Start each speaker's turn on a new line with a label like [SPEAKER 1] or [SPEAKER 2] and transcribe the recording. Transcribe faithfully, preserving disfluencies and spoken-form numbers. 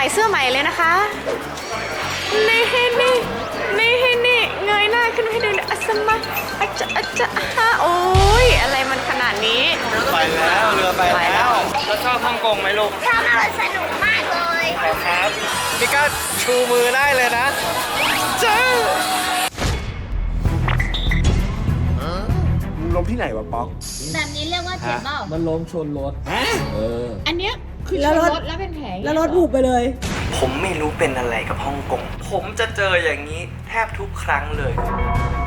[SPEAKER 1] เสื้อใหม่เลยนะคะนี่นี่นี่นี่เงยหน้าขึ้นให้ดูเลยอัสมาอัจจะอัจจะฮะโอ้ยอะไรมันขนาดนี้
[SPEAKER 2] ไปแล้วเรือไปแล้วแล้วชอบฮ่องกงไหมลูก
[SPEAKER 3] ชอบมากเลยสนุกมากเลย
[SPEAKER 2] ครับนี่ก็ชูมือได้เลยนะเจ้าลมที่ไหนวะป๊อก
[SPEAKER 3] แบบนี้เรียกว่าเจ็บเปล่า
[SPEAKER 4] มันล้มชนรถเออ
[SPEAKER 5] อันเนี้ยคือชนรถแล้วเป็นแผล
[SPEAKER 6] แล้วรถบุบไปเลย
[SPEAKER 2] ผมไม่รู้เป็นอะไรกับฮ่องกงผมจะเจออย่างนี้แทบทุกครั้งเลย